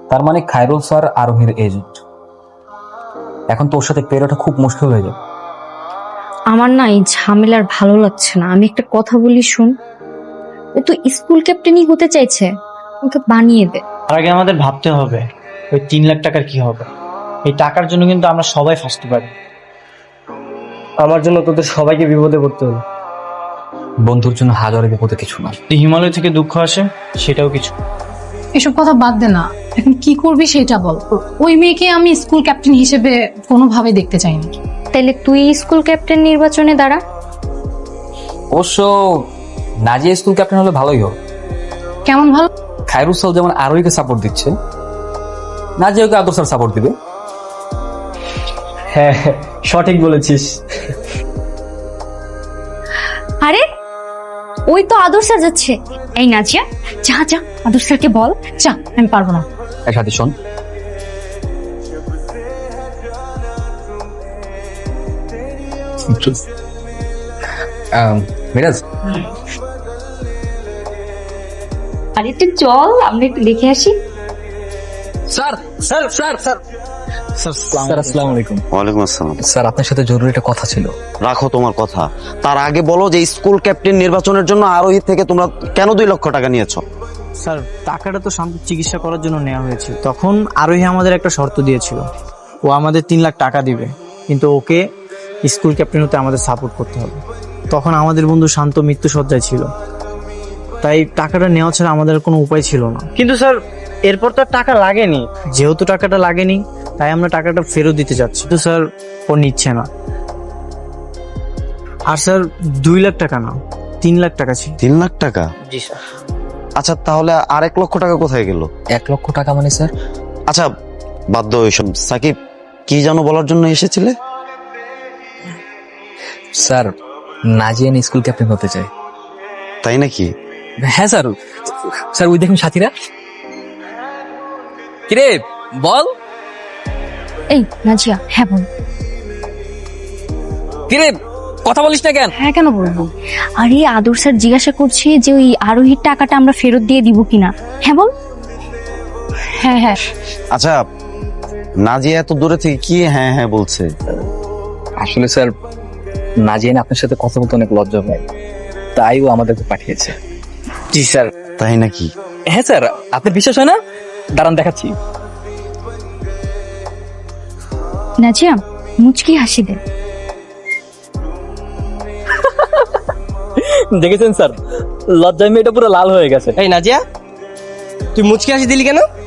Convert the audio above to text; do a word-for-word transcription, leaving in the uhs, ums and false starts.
তার মানে খায়রুল স্যার আরোহীর এজেন্ট। এখন তোর সাথে পেরোটা খুব মুশকিল হয়ে যাবে। আমার না এই ঝামেলার ভালো লাগছে না। আমি একটা কথা বলি শুন, ও তো স্কুল ক্যাপ্টেনই হতে চাইছে, ওকে বানিয়ে দে। তার আগে আমাদের ভাবতে হবে ওই তিন লাখ টাকার কি হবে। এই টাকার জন্য কিন্তু আমরা সবাই ফাঁসতে পারি। আমার জন্য তোদের সবাইকে বিপদে পড়তে হলো। বন্ধুর জন্য হাজারে বিপদে কিছু না। যদি হিমালয় থেকে দুঃখ আসে সেটাও কিছু। এসব কথা বাদ দে না, এখন কি করবি সেটা বল। ওই মেয়েকে আমি স্কুল ক্যাপ্টেন হিসেবে কোনোভাবে দেখতে চাই না। তাইলে তুই স্কুল ক্যাপ্টেন নির্বাচনে দাঁড়া। অবশ্য নাজিয়া স্কুল ক্যাপ্টেন হলে ভালোই হবে। কেমন ভালো? খায়রুল স্যার যেমন আরোহীকে সাপোর্ট দিচ্ছে, নাজিয়াকে আদর স্যার সাপোর্ট দিবে। হ্যাঁ হ্যাঁ, সঠিক বলেছিস। আরে ওই তো আদর স্যার যাচ্ছে। এই নাজিয়া, যা যা আদর স্যারকে বল। যা, আমি পারবো না। একসাথে শোন, আহ, মিরাজ আরে একটু চল, আমরা একটু দেখে আসি। Sir sir sir sir sir আসসালামু আলাইকুম। ওয়ালাইকুম আসসালাম। স্যার আপনার সাথে জরুরি একটা কথা ছিল। রাখো তোমার কথা, তার আগে বলো যে স্কুল ক্যাপ্টেন নির্বাচনের জন্য আরোহী থেকে তোমরা কেন দুই লক্ষ টাকা নিয়েছো? স্যার টাকাটা তো শান্ত চিকিৎসা করার জন্য নেওয়া হয়েছিল। তখন আরোহী আমাদের একটা শর্ত দিয়েছিল, ও আমাদের তিন লাখ টাকা দিবে, কিন্তু ওকে স্কুল ক্যাপ্টেন হতে আমাদের সাপোর্ট করতে হবে। তখন আমাদের বন্ধু শান্ত মৃত্যু সজ্জায় ছিল, তাই টাকাটা নেওয়া ছাড়া আমাদের কোনো উপায় ছিল না। কিন্তু স্যার এরপর তো আর টাকা লাগেনি। যেহেতু টাকাটা লাগেনি তাই আমরা টাকাটা ফেরত দিতে যাচ্ছি, তো স্যার ও নিচ্ছে না। আর স্যার দুই লাখ টাকা না, তিন লাখ টাকা ছিল। তিন লাখ টাকা? জি স্যার। আচ্ছা তাহলে আর এক লক্ষ টাকা কোথায় গেল? এক লক্ষ টাকা মানে স্যার? আচ্ছা বাধ্য ওইসব। সাকিব, কি যেন বলার জন্য এসেছিলে? স্যার নাজিয়ান স্কুল ক্যাপ্টেন হতে চায়। তাই নাকি? হ্যাঁ স্যার। স্যার ওই দেখুন সাথীরা। কিরে বল। এই নাজিয়া, হ্যাঁ বল। কিরে কথা বলিস না কেন? হ্যাঁ কেন বলবো? আরে আদর স্যার জিজ্ঞাসা করছে যে ওই আরোহীর টাকাটা আমরা ফেরত দিয়ে দিব কিনা। হ্যাঁ বল। হ্যাঁ হ্যাঁ। আচ্ছা নাজিয়া এত দূরে থেকে কি হ্যাঁ হ্যাঁ বলছে? আসলে স্যার নাজিয়ান আপনার সাথে কথা বলতে অনেক লজ্জা পায়, তাই ও আমাদেরকে পাঠিয়েছে। জি স্যার। তাই নাকি? হ্যাঁ স্যার, আপনার বিশ্বাস হয় না? দাঁড়ান দেখাচ্ছি। নাজিয়া মুচকি হাসি দে। দেখেছেন স্যার, লজ্জায় মেয়েটা পুরো লাল হয়ে গেছে। এই নাজিয়া, তুই মুচকি হাসি দিলি কেন?